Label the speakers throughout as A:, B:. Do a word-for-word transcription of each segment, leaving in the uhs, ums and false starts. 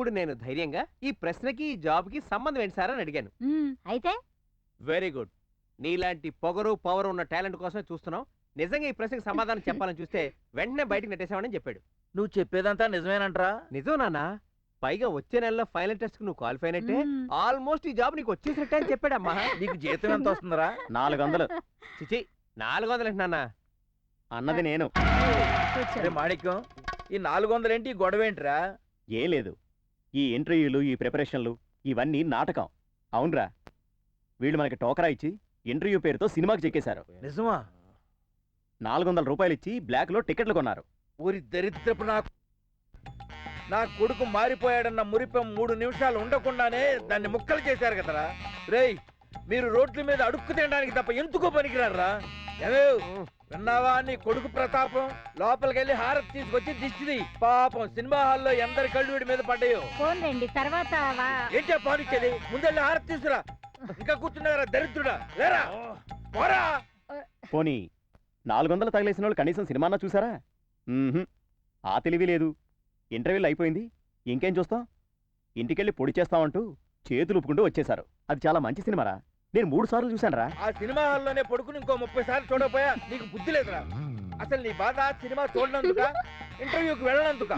A: అప్పుడు నేను ధైర్యంగా ఈ ప్రశ్నకి ఈ జాబ్కి సంబంధం ఏంటి సార్ అని అడిగాను.
B: అయితే
A: వెరీ గుడ్. నీలాంటి పొగరు పవర్ ఉన్న టాలెంట్ కోసమే చూస్తున్నావు. నిజంగా ఈ ప్రశ్నకి సమాధానం చెప్పాలని చూస్తే వెంటనే బయటకు నెట్టేసామని చెప్పాడు.
C: నువ్వు చెప్పేదంతా నిజమేనంటరా?
A: నిజం నాన్న. పైగా వచ్చే నెలలో ఫైనల్ టెస్ట్ కు నువ్వు క్వాలిఫై అయినట్టే, ఆల్మోస్ట్ ఈ జాబ్ నీకు వచ్చేసినట్టే అని చెప్పాడమ్మా.
C: నీకు జీతం ఎంత వస్తుందిరా?
D: నాలుగు వందలు.
A: చిచి, నాలుగు వందలు ఏంటి నాన్న?
D: అన్నది నేను.
C: అరే మాణిక్యం, ఈ నాలుగు వందలు ఏంటి, గొడవ ఏంటిరా?
D: ఏ లేదు, ఈ ఇంటర్వ్యూలు ఈ ప్రిపరేషన్లు ఇవన్నీ నాటకం. అవునరా, వీళ్ళు మనకి టోకరా ఇచ్చి ఇంటర్వ్యూ పేరుతో సినిమాకి చెక్కేశారు.
C: నిజమా?
D: నాలుగు వందల రూపాయలు ఇచ్చి బ్లాక్ లో టికెట్లు కొన్నారు.
C: ఊరి దరిద్రపు నాకు నా కొడుకు మారిపోయాడన్న మురిపం మూడు నిమిషాలు ఉండకుండానే దాన్ని ముక్కలు చేశారు కదరా. రేయ్, మీరు రోడ్ల మీద అడుక్కు తినడానికి తప్ప ఎందుకో పనికిరారా? ఏవే విన్నావా నీ కొడుకు ప్రతాపం? లోపలికెళ్ళి హారతి తీసుకొచ్చి దిష్టిది. పాపం సినిమా హాల్లో ఎందరి కళ్ళు వీడి మీద పడ్డాయో.
B: పోన్లేండి, తర్వాత
C: ఏంటో పానిచ్చేది? ముందెళ్ళి హారతి తీసుకురా. ఇంకా కూర్చున్నారా దరిద్రుడా? లేరా, పోరా.
D: పోనీ నాలుగు వందలు తగిలేసిన వాళ్ళు కనీసం సినిమానా చూసారా? ఆ తెలివి లేదు. ఇంటర్వ్యూలు అయిపోయింది, ఇంకేం చూస్తాం? ఇంటికెళ్ళి పొడి చేస్తామంటూ చేతులు ఉప్పుకుంటూ వచ్చేశారు. అది చాలా మంచి సినిమారా, నేను మూడు సార్లు చూశానురా.
C: ఆ సినిమా హాల్లోనే పడుకుని ఇంకో ముప్పై సార్లు చూడకపోయా నీకు బుద్ధి లేదురా? అసలు నీ బాధ సినిమా చూడనందుక, ఇంటర్వ్యూకి వెళ్ళనందుక?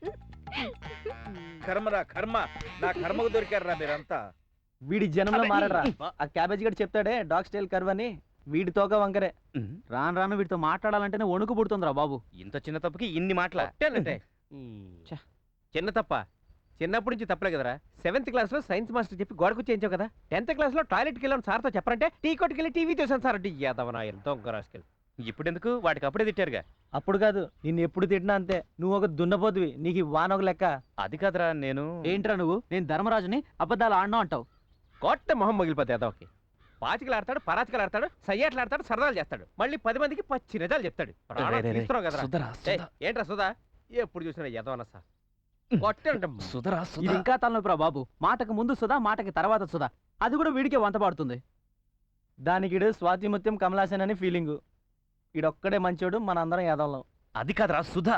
C: కర్మరా కర్మ, నా కర్మకు దొరికారా మీరంతా.
E: వీడి జనంలో మారడరా. ఆ క్యాబేజ్ గడి చెప్తాడే డాగ్ స్టైల్ కర్వ్ అని, వీడి తోక వంకరే. రాను రాను వీడితో మాట్లాడాలంటేనే వణుకు పుడుతుందిరా బాబు.
A: ఇంత చిన్న తప్పుకి ఇన్ని మాట్లాడాలంటే చిన్న తప్ప? చిన్నప్పటి నుంచి తప్పలే కదరా. సెవెంత్ క్లాస్ లో సైన్స్ మాస్టర్ చెప్పి గోడకు చేయించావు కదా. టెన్త్ క్లాస్ లో టాయిలెట్కి వెళ్ళాను సార్తో చెప్పరంటే టీ కొట్టుకు వెళ్ళి టీవీ చూసాను సార్ అంటే యాదవనా ఎంతో రాసుకెళ్ళి. ఇప్పుడు ఎందుకు? వాటికి అప్పుడే తిట్టారుగా.
E: అప్పుడు కాదు, నిన్ను ఎప్పుడు తిట్టినా అంతే. నువ్వు ఒక దున్నపోతువి, నీకు వాన ఒక లెక్క.
A: అది కాదురా, నేను
E: ఏంట్రా నువ్వు నేను ధర్మరాజుని అబద్ధాలు ఆడినా అంటావు.
A: కొట్ట మొహం మగిలిపోతే యాదవకి. పాచికలు ఆడతాడు, పరాచికలు ఆడతాడు, సయ్యాట్లు ఆడతాడు, సరదాలు చేస్తాడు, మళ్ళీ పది మందికి పచ్చి నిజాలు చెప్తాడు. తీస్తున్నావు కదరా. ఏంట్రా సుధా, ఎప్పుడు చూసినా యదవన సార్
E: సుధరా. ఇది ఇంకా తలనొప్పిరా బాబు. మాటకు ముందు సుధా, మాటకి తర్వాత సుధా. అది కూడా వీడికే వంత పాడుతుంది. దానికి స్వాతిముత్యం కమలాసన్ అని ఫీలింగు. ఈడొక్కడే మంచోడు, మనందరం యాదవం.
A: అది కాదురా సుధా.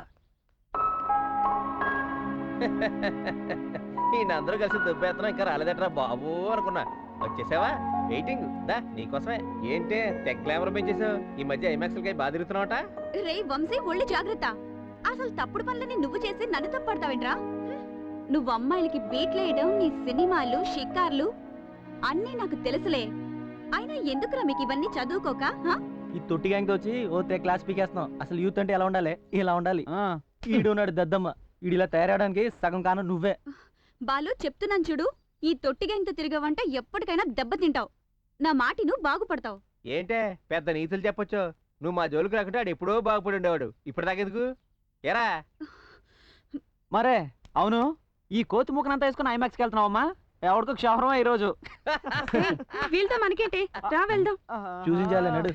A: ఈయన అందరూ కలిసి దుబ్బేత్తనం ఇంకా రాలేదట్రా బాబు అనుకున్నా. వచ్చేసావా? వెయిటింగ్ దా నీకోసమే. ఏంటే తెగ గ్లామర్ పెంచేసావు ఈ మధ్య ఐమాక్స్ కై బాగా తిరుగుతున్నావట.
F: రే వంశీ, ఒళ్ళు జాగ్రత్త. అసలు తప్పుడు పనులని నువ్వు చేసి నన్ను తప్పడతావేంట్రా? నువ్వు అమ్మాయిలకి బీట్లేయడం, నీ సినిమాలు షికార్లు అన్నీ నాకు తెలుసులే. అయినా ఎందుకురా మీకు ఇవన్నీ చదువుకోక?
E: ఈ తొట్టి గ్యాంగ్ వచ్చి ఓ తే క్లాస్ పీకేస్తున్నాం. అసలు యూత్ అంటే ఎలా ఉండాలి? ఇలా ఉండాలి. ఈడున్నాడు దద్దమ్మ, ఈడిలా తయారవడానికి సగం కాను నువ్వే.
F: బాలు, చెప్తున్నాను చూడు, ఈ తొట్టి గ్యాంగ్తో తిరిగావంటే ఎప్పటికైనా దెబ్బతింటావు. నా మాటి నువ్వు బాగుపడతావు.
A: ఏంటే పెద్ద నీతులు చెప్పొచ్చు. నువ్వు మా జోలికి రాకుంటే ఆడు ఎప్పుడో బాగుపడి ఉండేవాడు. ఇప్పుడు దాకెందుకు ఎరా?
E: మరే అవును, ఈ కోతి ముఖనంతా వేసుకుని ఐమాక్స్కి వెళ్తున్నావమ్మా? ఎవరికో క్షవరమా ఈరోజు?
F: వీళ్ళతో మనకేంటి, రా వెళ్దాం.
E: చూసించాలి నడు.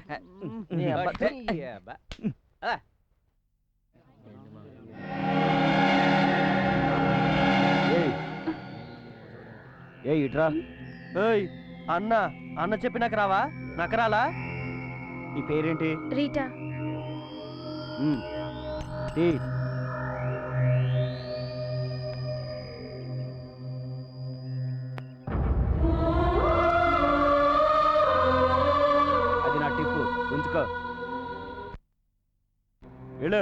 E: ఏ ఇట్రా. ఏయ్ అన్న, అన్న చెప్పి నాకు రావా? నకరాలా? నీ పేరేంటి?
F: రీటా.
E: అది నా టిప్పు, ఉంచుకో. వెళ్ళు.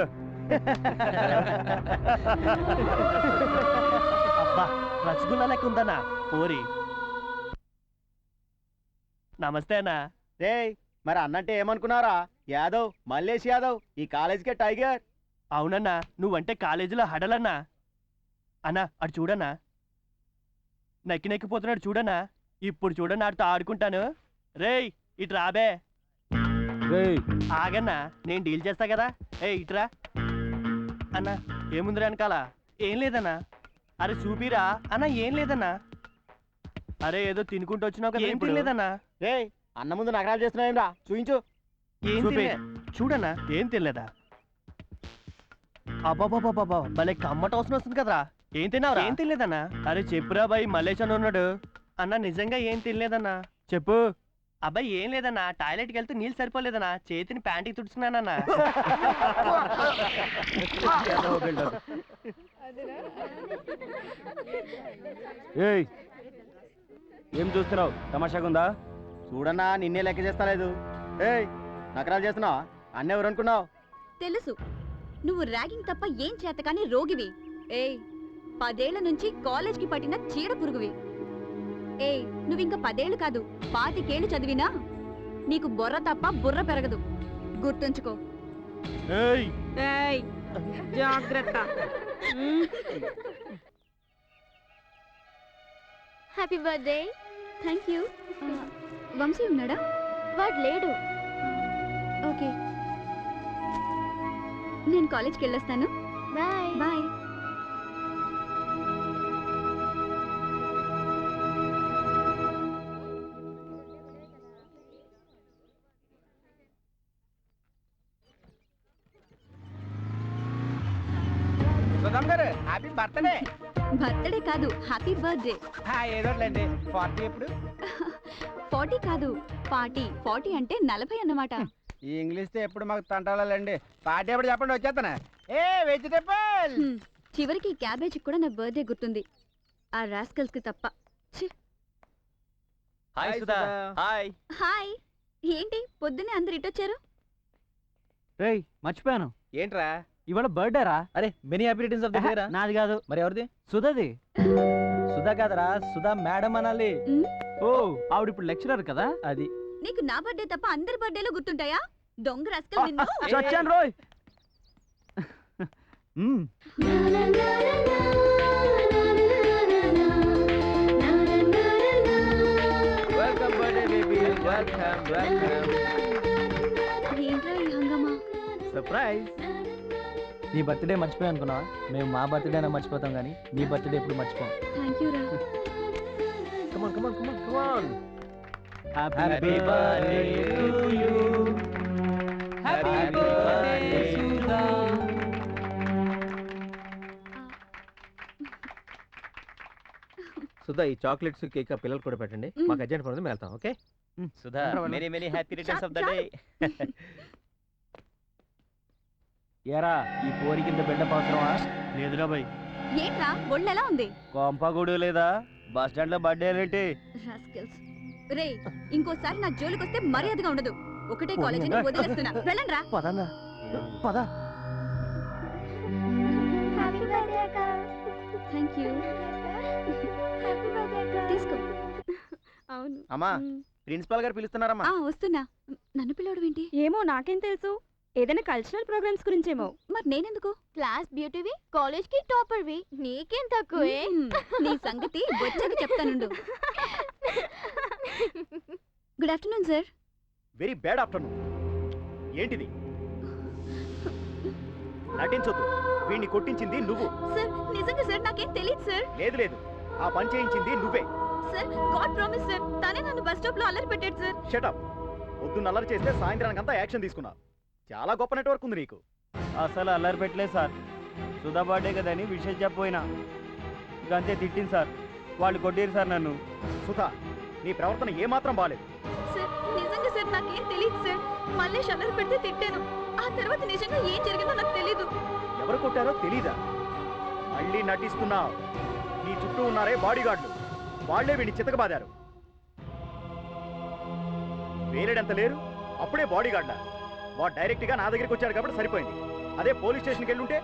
E: అబ్బా, రసగుల్లా లెక్క ఉందన్నా పోరి. నమస్తే అన్నా.
D: రే, మరి అన్నంటే ఏమనుకున్నారా? యాదవ్, మల్లేష్ యాదవ్, ఈ కాలేజీకే టైగర్.
E: అవునన్నా, నువ్వంటే కాలేజీలో హడలన్నా. అన్నా అటు చూడన్నా, నక్కి నెక్కిపోతున్నాడు చూడన్నా. ఇప్పుడు చూడన్నా, ఆడితో ఆడుకుంటాను. రేయ్ ఇటు రాబే. ఆగన్నా, నేను డీల్ చేస్తా కదా. ఏ ఇటురా అన్నా. ఏముందిరా వెనకాల? ఏం లేదన్నా. అరే చూపిరా అన్నా. ఏం లేదన్నా. అరే ఏదో తినుకుంటూ వచ్చినావు కదా. ఏం తినలేదన్నా.
D: రే, అన్న ముందు నగరాలు చేస్తున్నావేమ్రా? చూయించు.
E: ఏం తినలే. చూడన్నా, ఏం తినలేదా? అబ్బాబాబాబా, భలే కమ్మట అవసరం వస్తుంది కదరా. ఏం తిన్నావు? ఏం తినలేదన్నా. అరే చెప్పురా బాయ్, మల్లేష్ అని ఉన్నాడు. అన్నా నిజంగా ఏం తినలేదన్నా. చెప్పు. అబ్బాయి ఏం లేదన్నా, టాయిలెట్కి వెళ్తే నీళ్ళు సరిపోలేదన్నా, చేతిని ప్యాంటుకి తుడుచుకున్నానన్నా. ఏయ్ ఏం చూస్తున్నావు తమాషాగా ఉందా?
D: చూడన్నా నిన్నే లెక్క చేస్తలేదు. ఏయ్ నకరాలు చేస్తున్నావా? అన్న ఎవరు అనుకున్నావు?
F: తెలుసు నువ్వు ర్యాగింగ్ తప్ప ఏం చేతకాని రోగివి. ఏయ్ పదేళ్ల నుంచి కాలేజ్కి పట్టిన చీడ పురుగువి. ఏయ్ నువ్వింక పదేళ్లు కాదు పాతికేళ్లు చదివినా నీకు బొర్ర తప్ప బుర్ర పెరగదు. గుర్తుంచుకో.
E: ఏయ్
F: ఏయ్ జాగ్రత్త.
G: Happy birthday.
F: Thank you. Vamshi ఉన్నాడా?
G: వాడు లేడు.
F: ఓకే నేను కాలేజ్కి వెళ్ళొస్తాను.
G: Bye.
F: Bye.
A: Sudham garu happy birthday.
F: Birthday కాదు హ్యాపీ బర్త్డే.
A: ఏదోట్లేండి. పార్టీ ఎప్పుడు?
F: ఫార్టీ కాదు పార్టీ. ఫార్టీ అంటే నలభై అన్నమాట.
A: ఈ ఇంగ్లీష్ తో ఎప్పుడు మాకు తంటాలండి. పార్టీ ఎప్పుడు చెప్పండి వచ్చేస్తానా. ఏ వెజిటేబుల్.
F: హ్మ్, చివరికి క్యాబేజీ కూడా నా బర్త్డే గుర్తుంది. ఆ రాస్కల్స్ కి తప్ప. ఛీ.
D: Hi
A: hi
D: Sudha.
A: Sudha.
D: Hi.
F: Hi. ఏంటి పొద్దున్నే అందరు ఇటొచ్చారు?
E: రేయ్ మర్చిపోయాను,
A: ఏంట్రా?
E: ఇవాళ బర్త్డే రా.
A: అరే many happy returns of the day రా.
E: నాది కాదు,
A: మరి ఎవరిది?
E: సుధాది. సుధా కాదరా, సుధా మేడం అనాలి.
F: ఉమ్,
E: ఓ ఆవిడ ఇప్పుడు లెక్చరర్ కదా, అది.
F: నీకు నా బర్త్డే తప్ప అందరి బర్త్డేలు గుర్తుంటాయా? దొంగ రాస్కల్ నిన్ను.
E: చచ్చాను రోయ్. మ్మ్.
A: Welcome birthday baby. Welcome welcome.
F: ఏంట్రా ఈ హంగమా?
A: సర్ప్రైజ్.
E: నీ బర్త్డే మర్చిపోయా అనుకున్నా. మేము మా బర్త్డే అయినా మర్చిపోతాం కానీ నీ బర్త్డే ఎప్పుడు మర్చిపోం.
F: థ్యాంక్ యూ రా.
A: Come on come on come on come on.
E: Happy birthday to you. Happy birthday Sudha.
A: Sudha ఈ చాక్లెట్స్ కేక్ ఆ పిల్లలు కూడా పెట్టండి.
F: మ్మ్.
A: మాకు అర్జెంట్ పని ఉంది, మేము వెళ్తాం. Okay
D: Sudha many many happy returns of the day.
E: ఏరా ఈ పోరి కింద బిల్డప్ అవసరమా? లేదురా బాయ్.
F: ఏంట్రా ఒళ్ళు ఎలా ఉంది?
E: కొంపగూడు లేదా? బస్ స్టాండ్ లో బర్త్డే ఏంటి?
F: రాస్కల్స్. రే ఇంకోసారి నా జోలికొస్తే మర్యాదగా ఉండదు. ఒకటే కాలేజీని వదిలేస్తున్నా. వెళ్ళండ్రా.
E: పదన్నా పద.
G: హ్యాపీ బర్త్డే అక్క.
F: Thank you.
G: హ్యాపీ బర్త్డే అక్క.
F: తీసుకో. అవును.
D: అమ్మా
F: మ్మ్.
D: ప్రిన్సిపాల్ గారు పిలుస్తున్నారమ్మా.
F: ఆ వస్తున్నా. నన్ను పిలవడం ఏంటి?
H: ఏమో నాకేం తెలుసు, ఏదైనా కల్చరల్ ప్రోగ్రామ్స్ గురించేమో.
F: మరి నేనెందుకు?
G: క్లాస్ బ్యూటీవి, కాలేజ్ కి టాపర్వి, నీకేం తక్కువే.
F: మ్మ్. నీ సంగతి వచ్చాక చెప్తానుండు. Good afternoon sir.
D: Very bad afternoon. ఏంటిది? నటించొద్దు. వీడిని కొట్టించింది నువ్వు.
F: సార్ నిజంగా సార్ నాకేం తెలియదు సార్.
D: లేదు లేదు, ఆ పని చేయించింది నువ్వే.
F: సార్ గాడ్ ప్రామిస్ సార్, తనే నన్ను బస్ స్టాప్ లో అల్లరి పెట్టాడు సార్.
D: షటప్. పొద్దున్న అల్లరి చేస్తే సాయంత్రానికంతా యాక్షన్ తీసుకున్నావు. చాలా గొప్ప నెట్వర్క్ ఉంది నీకు.
E: అసలు అల్లరి పెట్టలేదు సార్. సుధా బర్త్డే కదని విషయం చెప్పపోయినా అంతే తిట్టింది సార్. వాళ్ళు కొట్టారు సార్ నన్ను.
D: సుధా నీ ప్రవర్తన ఏమాత్రం బాలేదు.
F: సార్ నిజంగా సార్ నాకేం తెలియదు సార్. మళ్ళీ అల్లరి పెడితే తిట్టాను. ఆ తర్వాత నిజంగా ఏం జరిగిందో నాకు తెలీదు.
D: ఎవరు కొట్టారో తెలీదా? మళ్ళీ నటిస్తున్నావు. నీ చుట్టూ ఉన్నారే బాడీగార్డులు, వాళ్లే వీడిని చితకబాదారు. వేరేడంత లేరు, అప్పుడే బాడీగార్డ్లా? వాడు డైరెక్ట్ గా నా దగ్గరికి వచ్చాడు కాబట్టి సరిపోయింది. అదే పోలీస్ స్టేషన్కి వెళ్ళుంటే.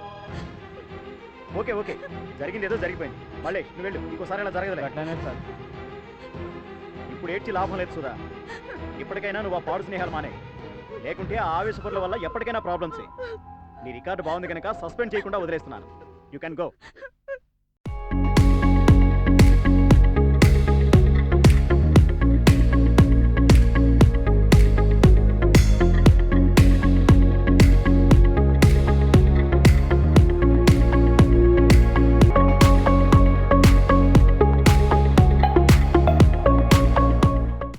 D: ఓకే ఓకే, జరిగింది ఏదో జరిగిపోయింది. మళ్ళీ నువ్వు వెళ్ళు, ఇంకోసారి ఇలా జరగదులే.
E: అట్లానే సార్.
D: ఇప్పుడు ఏడ్చి లాభం లేదు సుధా. ఇప్పటికైనా నువ్వు ఆ పాడు స్నేహాలు మానే, లేకుంటే ఆ ఆవేశపరుల వల్ల ఎప్పటికైనా ప్రాబ్లమ్సే. నీ రికార్డు బాగుంది కనుక సస్పెండ్ చేయకుండా వదిలేస్తున్నాను. You can go.